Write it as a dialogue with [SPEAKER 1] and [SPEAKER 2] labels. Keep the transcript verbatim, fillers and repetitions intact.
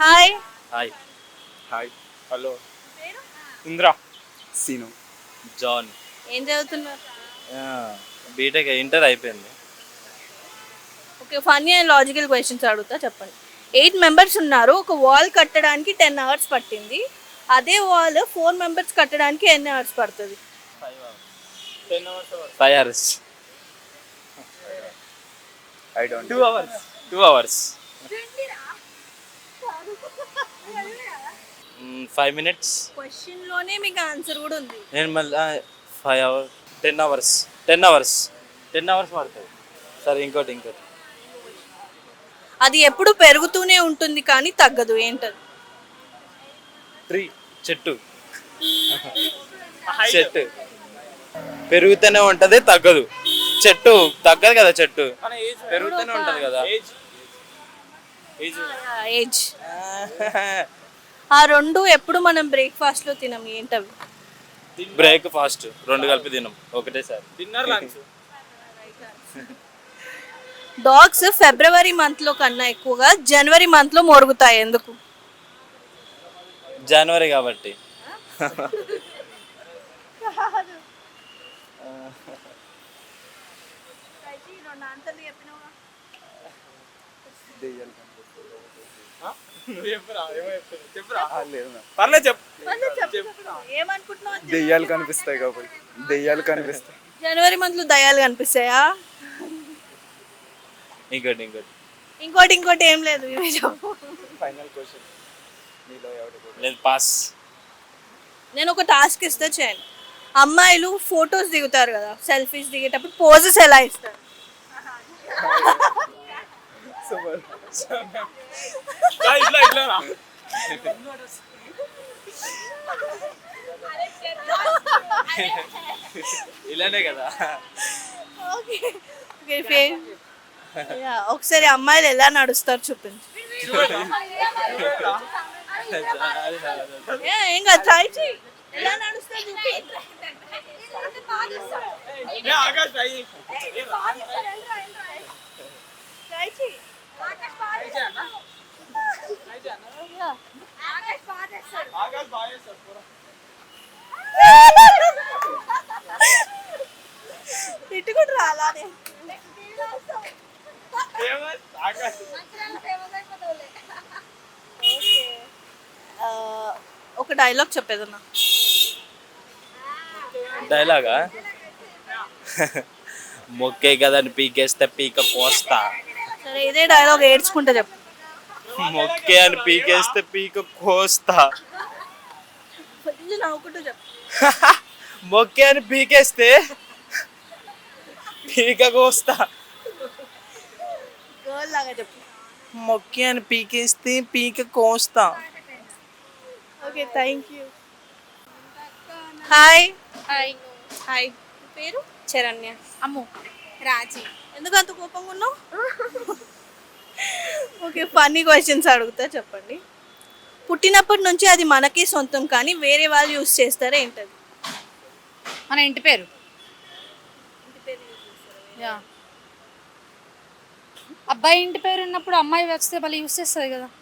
[SPEAKER 1] Hi.
[SPEAKER 2] Hi.
[SPEAKER 3] Hi. Hello.
[SPEAKER 1] పేరు?
[SPEAKER 3] Indra. Seenu.
[SPEAKER 2] John.
[SPEAKER 1] ఏం చదువుతున్నారు?
[SPEAKER 2] బీటెక్ ఇంటర్ అయిపోయింది.
[SPEAKER 1] Okay, funny and logical questions అడుగుతా, చెప్పండి. ఎయిట్ మెంబర్స్ ఉన్నారు, ఒక వాల్ కట్టడానికి టెన్ అవర్స్ పట్టింది. అదే వాల్ ఫోర్ మెంబర్స్ కట్టడానికి ఎన్ని అవర్స్ పడుతుంది?
[SPEAKER 2] Five hours.
[SPEAKER 3] I don't.
[SPEAKER 2] Two hours. Two hours. Five minutes.
[SPEAKER 1] క్వశ్చన్లోనే మీకు ఆన్సర్ కూడా ఉంది.
[SPEAKER 2] నేను మళ్ళీ five hours ten hours ten hours ten hours పడుతుంది. సరే, ఇంకోటి ఇంకోటి
[SPEAKER 1] అది ఎప్పుడు పెరుగుతూనే ఉంటుంది కానీ తగ్గదు, ఏంటది?
[SPEAKER 2] ట్రీ. చెట్టు. చెట్టు పెరుగుతూనే ఉంటది, తగ్గదు. చెట్టు తగ్గదు కదా, చెట్టు పెరుగుతూనే ఉంటది కదా.
[SPEAKER 1] ఏజ్. ఆ రెండు ఎప్పుడు మనం బ్రేక్ఫాస్ట్ లో తినం, ఏంటవి?
[SPEAKER 2] బ్రేక్ఫాస్ట్ రెండు కలిపి తినం ఒకటేసారి.
[SPEAKER 3] Dinner lunch.
[SPEAKER 1] Dogs February month లో కన్నా ఎక్కువగా జనవరి మంత్ లో మొరుగుతాయి, ఎందుకు?
[SPEAKER 2] జనవరి కాబట్టి.
[SPEAKER 3] పర్లేదు చెప్పు.
[SPEAKER 1] ఏమనుకుంటున్నావు?
[SPEAKER 3] దెయ్యాలు కనిపిస్తాయి కాబట్టి. దెయ్యాలు కనిపిస్తాయి.
[SPEAKER 1] జనవరి మంత్ లో దయ్యాలు కనిపిస్తాయా?
[SPEAKER 2] ఇంకోటి ఇంకోటి
[SPEAKER 1] ఇంకోటి ఇంకోటి ఏం లేదు, ఇవే చెప్పు.
[SPEAKER 3] Final question. నీలో ఎవరు?
[SPEAKER 2] లేదు, పాస్.
[SPEAKER 1] నేను ఒక టాస్క్ ఇస్తే చేయండి. అమ్మాయిలు ఫొటోస్ దిగుతారు కదా, సెల్ఫీస్ దిగేటప్పుడు పోజెస్ ఎలా ఇస్తారు?
[SPEAKER 3] ఇట్లా ఇట్లా
[SPEAKER 2] ఇలానే కదా.
[SPEAKER 1] ఓకే ఓకే, ఒకసారి అమ్మాయిలు ఎలా నడుస్తారు చూపించు. ఏ, ఏం కాదు, ట్రై చేయి. ఎలా నడుస్తారు చూపి. ట్రై చేయి. తిట్టుకుంటు రాలానే. ఒక డైలాగ్ చెప్పేదన్నా.
[SPEAKER 2] డైలాగా? మొక్కే కదని పీకేస్తే పీక కోస్తా.
[SPEAKER 1] సరే, ఇదే డైలాగ్ ఏడ్చుకుంటా చెప్పు.
[SPEAKER 2] మొక్కే అని పీకేస్తే పీక కోస్తా.
[SPEAKER 1] నవ్వుకుంటూ చెప్పు.
[SPEAKER 2] మొక్కే అని పీకేస్తే పీక కోస్తా.
[SPEAKER 1] గర్ల్ లాగా చెప్పు.
[SPEAKER 2] మొక్కే అని పీకేస్తే పీక కోస్తా.
[SPEAKER 1] Okay, thank you. Hi.
[SPEAKER 4] Hi.
[SPEAKER 1] Hi. పేరు?
[SPEAKER 4] చరణ్య. అమ్ము. రాజీ.
[SPEAKER 1] ఎందుకు అంత కోపంగా ఉన్నావు? ఓకే, ఫన్నీ క్వశ్చన్స్ అడుగుతా, చెప్పండి. పుట్టినప్పటి నుంచి అది మనకి సొంతం కానీ వేరే వాళ్ళు యూజ్ చేస్తారా, ఏంటది?
[SPEAKER 4] మన ఇంటి పేరు. యా. అబ్బాయి ఇంటి పేరు ఉన్నప్పుడు అమ్మాయి వస్తే మళ్ళీ యూజ్ చేస్తుంది కదా.